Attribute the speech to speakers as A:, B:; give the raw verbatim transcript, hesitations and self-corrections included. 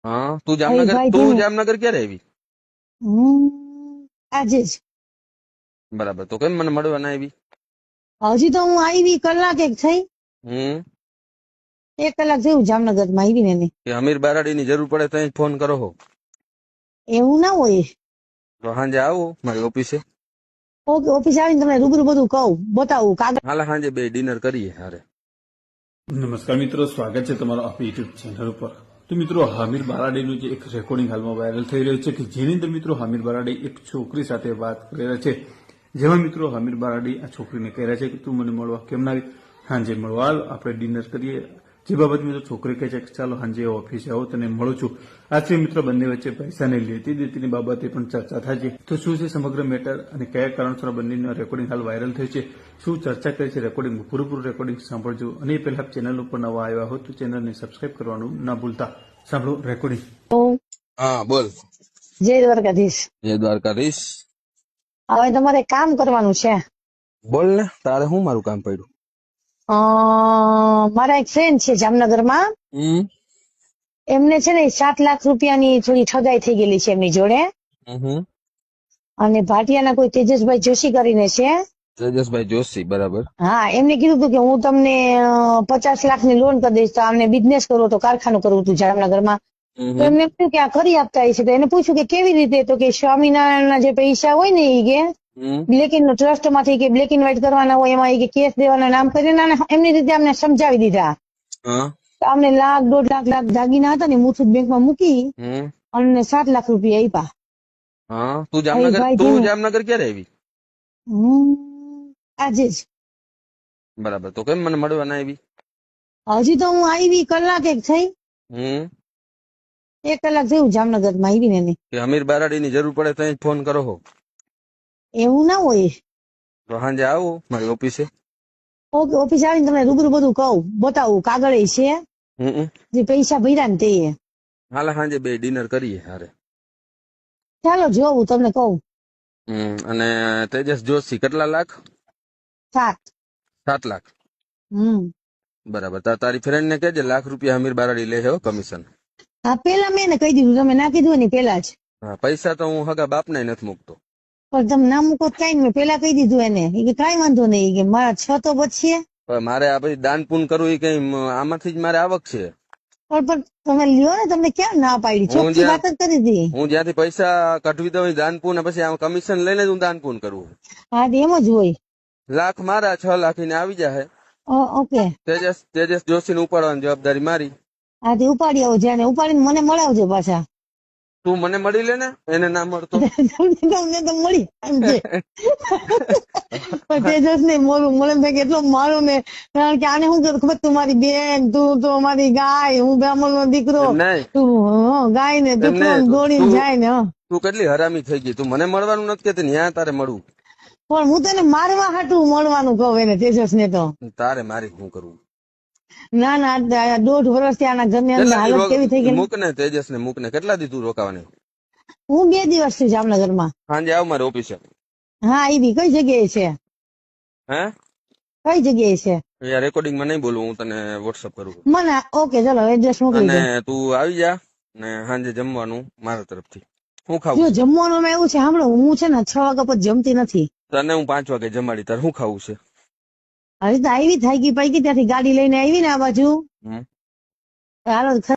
A: હા તું
B: અરે
A: જામનગર
B: ભાઈ
A: તું
B: ધીમે
A: જામનગર ક્યારે આવી?
B: હું આજે જ
A: બરાબર, તો કેમ મને મળવા ના આવી?
B: હજી તો હું આવી કલાક એક થઈ
A: હમ
B: એક કલાક થયું જામનગર માં આવી ને એને.
A: કે અમીર બારાડીની જરૂર પડે તો ફોન કરો હો
B: એવું ના હોય.
A: તો સાંજે આવો મારી ઓફિસે.
B: ઓકે ઓફિસ આવીને તમને રૂબરૂ બધું કહું બતાવું કાગળ.
A: હાલ સાંજે બે ડિનર કરીએ હારે.
C: નમસ્કાર મિત્રો, સ્વાગત છે તમારો આપણી યુટ્યુબ ચેનલ ઉપર. તો મિત્રો, હામિર બારાડીનું જે એક રેકોર્ડિંગ હાલમાં વાયરલ થઈ રહ્યું છે કે જેની અંદર મિત્રો હામિર બારાડી એક છોકરી સાથે વાત કરી રહ્યા છે, જેમાં મિત્રો હામિર બારાડી આ છોકરીને કહી રહ્યા છે કે તું મને મળવા કેમ ના આવી, હાંજે મળવા હાલ આપણે ડિનર કરીએ. જે બાબત મિત્રો છોકરી કહે છે કે ચાલો હાંજે ઓફિસે આવો તને મળું છું. આથી મિત્રો બંને વચ્ચે પૈસાની લેતી દેતીની બાબતે પણ ચર્ચા થાય છે. તો શું છે સમગ્ર મેટર અને કયા કારણસર બંનેનું રેકોર્ડિંગ હાલ વાયરલ થયું છે, શું ચર્ચા કરી છે રેકોર્ડિંગ, પૂરેપૂરું રેકોર્ડિંગ સાંભળજો. અને એ પહેલા ચેનલ ઉપર નવા આવ્યા હોય તો ચેનલને સબસ્ક્રાઇબ કરવાનું ના ભૂલતા. સાંભળો રેકોર્ડિંગ.
A: હા બોલ.
B: જય દ્વારકાધીશ.
A: જય દ્વારકાધીશ.
B: હવે તમારે કામ કરવાનું છે.
A: બોલ ને, તારે શું મારું કામ પડ્યું?
B: અ મારા એક ફ્રેન્ડ છે જામનગરમાં,
A: હમ
B: એમને છે ને સાત લાખ રૂપિયાની થોડી ઠગાઈ થઈ ગયેલી છે એમની જોડે.
A: હમ
B: અને ભાટિયાના કોઈ તેજસભાઈ જોશી કરીને છે.
A: તેજસભાઈ જોશી, બરાબર.
B: હા, એમને કીધું હતું કે હું તમને અ, પચાસ લાખની લોન કરી દઈશ તો આમને બિઝનેસ કરવો તો કારખાનું કરવું હતું જામનગરમાં. તો એમને કહ્યું કે આ કરી આપતા હશે. તો એને પૂછ્યું કે કેવી રીતે, તો કે સ્વામિનારાયણના જે પૈસા હોય ને એ કે બ્લેક ઇન ટ્રસ્ટ માંથી કે બ્લેક એન્ડ વ્હાઇટ કરવાના હોય એમાં એ કે કેસ દેવાના નામ કરીને અને એમની રીતે અમને સમજાવી દીધા.
A: હા
B: તો અમને લાખ દોઢ લાખ લાખ દાગીના હતા ને મુથુટ બેંકમાં મૂકી
A: હમ
B: અને સાત લાખ રૂપિયા આપ્યા.
A: હા તું
B: અરે
A: જામનગર
B: ભાઈ
A: તું
B: ધીમે
A: જામનગર ક્યારે આવી?
B: હું આજે જ
A: બરાબર, તો કેમ મને મળવા ના આવી?
B: હજી તો હું આવી કલાક એક થઈ
A: હમ
B: એક કલાક થયું જામનગર માં આવી ને એને.
A: કે અમીર બારાડીની જરૂર પડે તો ફોન કરો હો
B: એવું ના હોય.
A: તો સાંજે આવો મારી ઓફિસે.
B: ઓકે ઓફિસ આવીને તમને રૂબરૂ બધું કહું બતાવું કાગળ છે
A: હમ
B: જે પૈસા ભર્યા ને તે.
A: હાલ સાંજે બે ડિનર કરીએ હારે.
B: ચાલો જોવું તમને કહું.
A: હમ અને તેજસ જોશી કેટલા લાખ?
B: સાત.
A: સાત લાખ.
B: હમ
A: બરાબર, તાર તારી ફ્રેન્ડ ને કહેજે લાખ રૂપિયા અમીર બારાડી લે છે હો કમિશન.
B: હા, પેલા મેં એને કહી દીધું, તમે ના કીધું ને પેલા જ.
A: હા, પૈસા તો હું હગા બાપને નથી મૂકતો.
B: પણ તમે ના મૂકો કઈ મેં પેલા કહી દીધું એને. એ કે કઈ વાંધો નહીં, કે મારા છ તો બચશે.
A: પણ મારે આ પછી દાન પૂન કરવું એ કઈ આમાંથી જ મારે આવક છે.
B: પણ પણ તમે લ્યો ને, તમને ક્યાં ના પાડી,
A: હું
B: ચોખ્ખી
A: જ્યાં
B: વાત જ કરી હતી.
A: હું જ્યાંથી પૈસા કઢવી દઉં દાન પૂન પછી આમ કમિશન લઈને જ હું દાન પૂન કરવું.
B: હા, તો એમ જ હોય.
A: લાખ મારા, છ લાખ એને આવી જાય.
B: ઓ- ઓકે
A: તેજસ તેજસ જોશી ને ઉપાડવાની જવાબદારી મારી.
B: હા, તે ઉપાડી આવો જ્યાં ઉપાડીને મને મળાવજો પાછા.
A: તું મને મળી લે ને, એને ના મળતો.
B: તમને તો મળી એમ છે. તેજસ ને મોરું મને ભાઈ કેટલો મારું ને, કારણ કે આને શું કરું ખબર, તું મારી બેન, તું તો મારી ગાય, હું બ્રાહ્મણ નો દીકરો,
A: એમ નહીં,
B: તું હં, ગાય ને તું
A: એમ
B: કેમ
A: નહીં,
B: દોડીને
A: તું
B: જાય ને. હં.
A: તું કેટલી હરામી થઈ ગઈ. તું મને મળવાનું નથી કેતી, ન્યા તારે મળવું.
B: પણ હું તને મારવા હાટું મળવાનું કહું એને તેજસ ને તો.
A: તારે મારી શું કરવું?
B: ના ના આ દોઢ વર્ષથી આના ઘરની અંદર
A: કેટલા દી
B: હાલત કેવી થઈ ગઈ.
A: મૂક ને તેજસ ને મૂક ને, કેટલા દી તું રોકાવાની?
B: હું બે દિવસ થી જામનગરમાં.
A: સાંજે આવ મારી ઓફિસે.
B: હા, એવી કઈ જગ્યાએ છે?
A: હે
B: કઈ જગ્યાએ છે?
A: યાર રેકોર્ડિંગ માં નહીં બોલું, હું તને વોટ્સઅપ કરું.
B: મને ઓકે ચલો એડ્રેસ મોકલી દો.
A: અને તું આવી જા ને સાંજે જમવાનું મારા તરફથી. શું ખાવું
B: જો
A: છે?
B: જમવાનું માં એવું છે, સાંભળો, હું છે ને છ વાગ્યા પછી જમતી નથી.
A: તને હું પાંચ વાગે જમાડી, તારે શું ખાવું છે?
B: હવે તો આવી થાકી પાકી ત્યાંથી ગાડી લઈને આવી ને આ બાજુ
A: હમ
B: હાલો